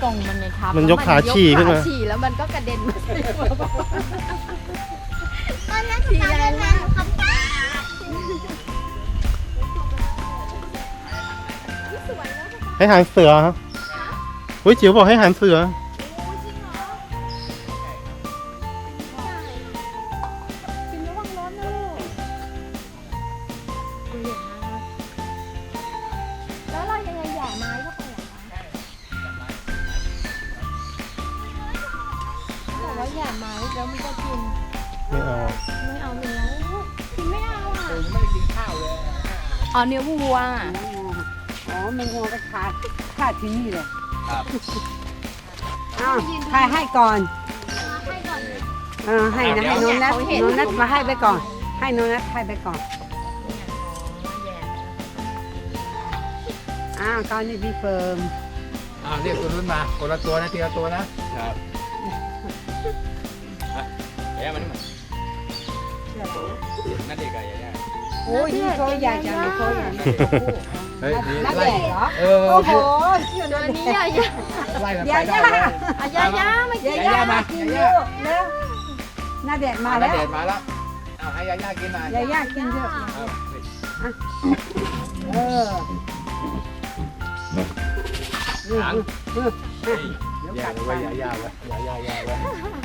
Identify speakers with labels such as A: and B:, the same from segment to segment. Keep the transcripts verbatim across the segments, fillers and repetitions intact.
A: รงมันไงครับ
B: มันยกขาฉี่ขึ้นมา
A: ฉี่แล้วมันก็กระเด็นมาใส่หัวป้า
C: ตอนนั้นคุณตาเดินมาหนูคำตา
B: ให้หางเสือฮะอุ้ยจิ๋วบอกให้หางเสือ
A: กินระวังร้อนนะลูกแล้วเรายังไงแย่ไม้เข้าไปเหรอคะบอกว่าแย่ไม้แล้วมันก็กิน
B: ไม่เอา
A: ไม่เอาเนื้อกินไม่เอาอ่ะ
D: ผมไม่ได้กินข้าวเลย
A: อ๋อเนื้อวัว
E: อ๋อมันงอก็ขาดขาดที่นี่เลย
D: ครับ
E: อ้าวใครให้ก่อน
A: ให้ก่อนเลย
E: เออให้นะให้น้องนัท
A: เขาเห็น
E: น้องนัทมาให้ไปก่อน ให้น้องนัทให้ไปก่อนอ้าวตอนนี้พี่เฟิร์ม
D: อ้าวเรียกตัวนู้นมาคนละตัวนะทีละตัวนะครับยายามานี่มานั่นเด็กอะยายา
E: โอ้ยนี่ตัวใหญ่จังเลยตัวใหญ่
D: เฮ้ยนี่
E: นัท
D: ไล่
E: แดดเหรอ
D: เออ
E: โอ้โห
A: ตัวนี้ยายา
D: ไล่กัน
E: ยา
D: ไปได้
E: ย่า
D: เลย
A: อายายาไม่กิน
E: ยาย่ามากินเยอะแล้วน้าแดดมา
D: มา
E: แล้ว
D: เด็ดมาแล้วเอาให้ยายากินมาย
E: าย่ากินเยอะ
D: เอา
E: เออนี่นี่นี่เดี๋ยว
D: แย่
E: กัด
D: เลย
E: ไป
D: ยายาไว้ยายายาไว้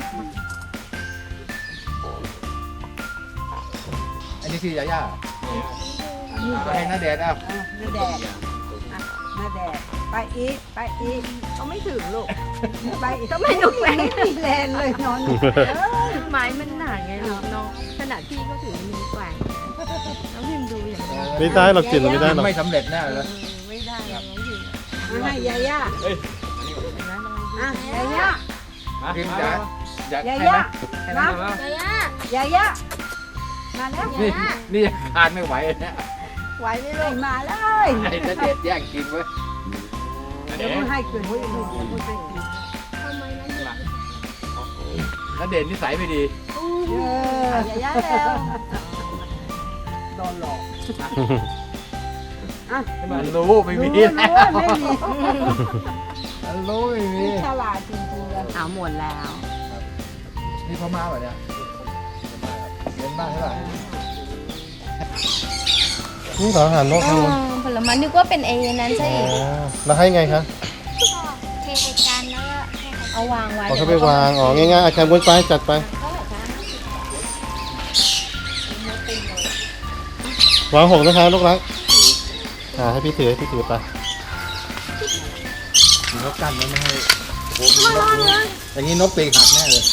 D: อันนี้คือยายาเอาให้น้าแดดเอา
E: อ่ะน้าแดดอ่ะน้าแดดไปอีกไปอีก
A: เขาไม่ถึงลูก
E: ไปอีก
A: ทำไมหนูแกว่ง
E: ไม่มีแรงเลยนอนอยู่
A: ไม้มันหนาไงลูกน้องขนาดพี่ก็ถือมีแกว่งน้องพิมดูอย่างนี้
B: ไม่ได้หรอกจิ๋วไม่ได้หรอก
D: ไม่สำเร็จแน่เลย
A: ไม่ได้น้องพิม
E: มาให้ยาย่า
D: เฮ้ย
A: นะน้อง
E: อ่ะยาย่า
D: กินจ๋าอยาก
E: ยา
D: ให้
E: ย่า
D: นะให้นะ
E: นะ
A: ยายาย
E: าย่ามาแล้ว
D: นี่นี่ทานไม่ไหวเนี่ย
A: ไหวไหมลู
E: ให้
A: ก
E: มาเลย
D: ไอ้ณเดชน์แย่งกินเว้ย
E: เดี๋ยวพูดให้กินเดี๋ยวพูดให้กิน
A: ทำไมนะ
D: ณเดชน์นิสัยไม่ดี
E: เออย
A: ายาแล้ว
E: โดนหลอกอ่ะ
D: มันรู้ไม่มี
E: รู้
D: แล้ว
E: รู้ไม่มี
D: มันรู้ไม่มี
E: ฉลาดจริงๆเลย
A: เอาหมดแล้ว
D: นี่พ่อมาเหรอเนี่ยเรียนบ้านเท่าไหร่
B: นี่เหรออาหารนกทางนู้น
A: ผลไม้นึกว่าเป็นเอนั้นใช่
B: อ๋อแล้วให้ไงคะ
C: เทใส่จานแล้วก็ให้เขา
A: เอาวางไว้
B: เอาเขาไปวางอ๋อง่ายๆอาจารย์บนไปจัดไป
A: เท่าไหร่คะ
B: วางหกนะคะลูกรักอ่าให้พี่ถือให้พี่ถือไป
D: มีนกกันไม่ให้โอ้โหมีนกอย่างนี้นกปีกหักแน่เลย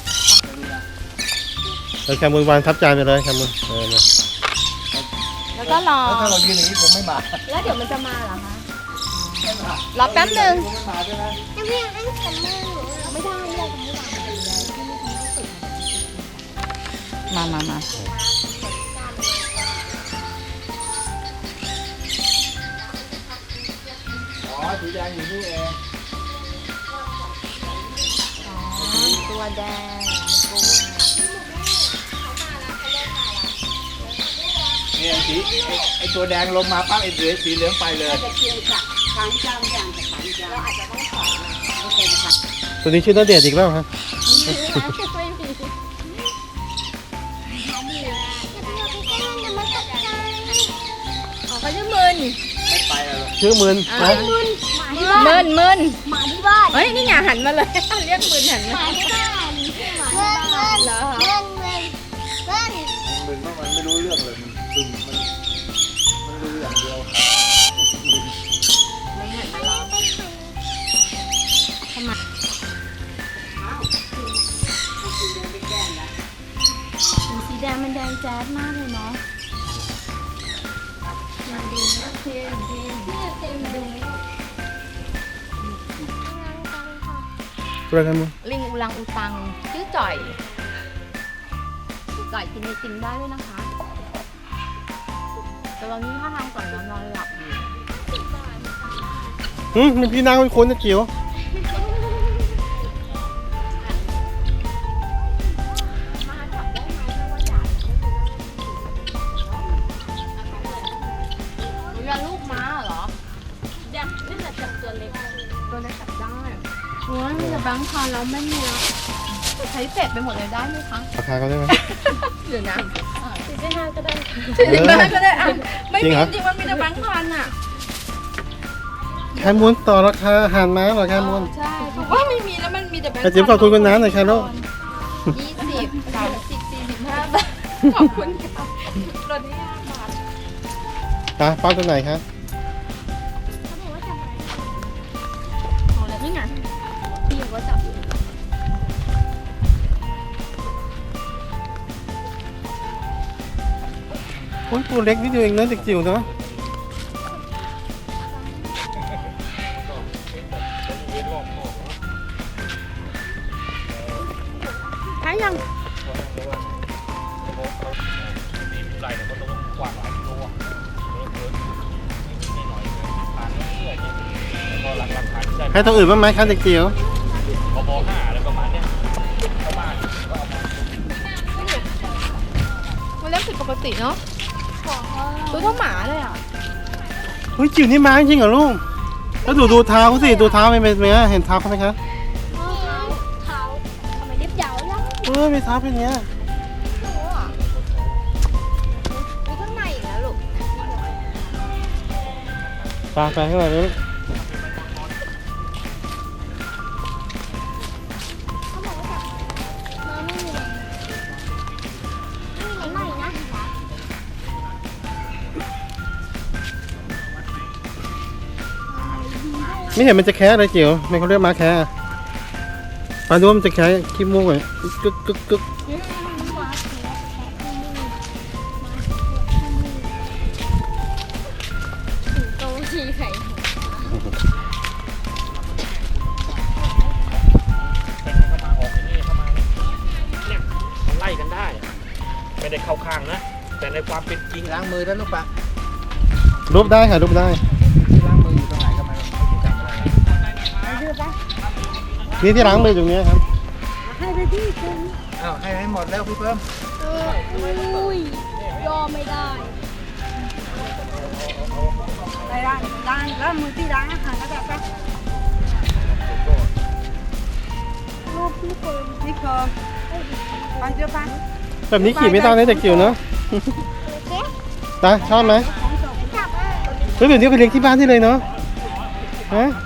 B: แล้วแคมบุญวางทับจานไปเลยแคมบุญเออเนี่ย
A: แล้วก็รอ
D: แล้วถ้าเรายืนอย่างนี้ผมไม่มา
A: แล้วเดี๋ยวมันจะมาเหรอคะ รอแป๊บหนึ่ง
D: ผมไม่มาใช่ไหม
C: ยังไม่อยากเล่นกับมือหนู
A: ไม่ได้ไม่ได้ไม่ได้มามามา
D: อ๋อสีแดงอยู่นี่เอง
A: ตัวแดง
D: เนี่ยสีไอ้ไอ้ตัวแดงลงมาปั๊บไอ้เหลือสีเหลืองไปเลย
E: จะเคียงกับขางจามอย่างกับขางจามเราอาจจะต้องสอนโอเคค่ะ
B: ตัวนี้ชื่อณเดชน์อีกแล้วฮะ
A: ไม่มี
C: อย่าไปเอาไปใกล้มันจะมาตกใจ
A: อ๋อเขาจะมึน
D: ไม่ไปแล้ว
B: ชื่อมึน
A: อ่า
B: นะ
C: มึนหมาที่บ้าน
A: มึนมึน
C: หมาที่บ้าน
A: เฮ้ยนี่ไงหันมาเลย เรียกมึนหัน
C: ห
A: มา
C: มาที่บ้านหมาที่บ้านเงินเงินเงินเงิน
D: มึนเพราะมันไม่รู้เรื่องเลยมันซึมมันมันรู้อย่างเดียว
A: สีแดงมันแดงแจ๊ดมากเลยเนาะมาดูนะเทมเทมเทมดู
B: ตัวแคมบุญ
A: ลิงอุลังอุตังชื่อจ่อยจ่อยกินไอติมได้ด้วยนะคะ แต่ตอนนี้ท่าทางก่อนนอนนอนหลับอยู่
B: อืมมีพี่นางคนคนจะจิ๋ว
A: มาจับได้ไหมไม่ว่าอยากเรียนลูกม้าเหรอยังนี่แหละจับตัวเล็กตัวเล็กจับได้โอ้ยมีแต่แบงค์พันแล้วไม่มีแล้วใช้เสร็จไปหมดเลยได้ไหมคะ
B: ราคาเขาได้ไหม
A: เดี๋ยวนะ
C: สี่สิบห้าก็ได้
A: สี่สิบห้าก็ได้อ่ะไม่
B: จริ
A: มี
B: งเหรอ
A: จริงมันมีแต่แบงค์พันอ่ะ
B: แคมูลต่อราคาอาหารม้าเหรอแคมูล
A: ใช่ถูกว่าไม่มีแล้วมันมีแต่แบงค์
B: แต่จิ๋วขอบคุณคุณน้าหน่อยครับลูก
A: ยี่สิบสามสิบสี่สิบห้าบาทขอบคุณค่ะลดให้ห้าบาท
B: ตาป้าตัวไหนครับ
A: เอาแล้วนี่ไงพี่ก็จับอยู่
B: โอ้ยตัวเล็กนิดเดียวเองนะเด็กจิ๋วเนาะ
A: ใช้ยัง
B: ให้ตัวอื่นบ้างไหมครับเด็กจิ๋ว
A: มันเล็กผิดปกติเนาะตัวเท่าหมาเลยอ่ะ
B: เฮ้ยจิ๋วนี่ม้าจริงเหรอลูกแล้วดูดูเท้าเขาสิดูเท้าไม่เป็นไหมเห็นเท้าเขาไหมครับ
C: เท้าทำไมเล็บยาวแล้ว
B: เออมีเท้าเป็นอย่างเงี้ย
C: มีข้างในอีกแล้วลูก
B: ตาไปข้างในเลย
C: เขาบอกว่าจับน้ำไม่มีเลยไม่มีไหนใหม่นะ
B: ไม่เห็นมันจะแคะเลยจิ๋วไม่เขาเรียกม้าแคะอะปลาดูว่ามันจะแคะขี้มูกเลยกึกกึกกึก
C: โตทีไข่
F: มันไล่กันได้ ไม่ได้เข้าข้างนะ แต่ในความเป็นจริง
D: ล้างมือแล้วลูกปะ
B: รูปได้ค่ะรูปได้
D: ล้างมืออยู่ตรงไหนก็ไม่ไม่จำอะไร
B: นี่ที่ล้างมือตรงเนี้ยครับ
D: อ้าวให้ให้หมดแล้วพี่เพิ่ม
C: อุ้ยยอมไม่ได้
E: ได้ได้ได้แล้วมือที่ล้างอาหารก็ได้ปะ
C: รูปพี่เฟิร์น
E: นี่คือไปเดี๋ยวไป
B: แบบนี้ขี่ไม่ได้นะเด็กจิ๋วเนาะ
C: เก๊ะ
B: ตาชอบไหม
C: จับอ่ะ
B: เฮ้ยแบบนี้ไปเลี้ยงที่บ้านได้เลยเนาะฮะ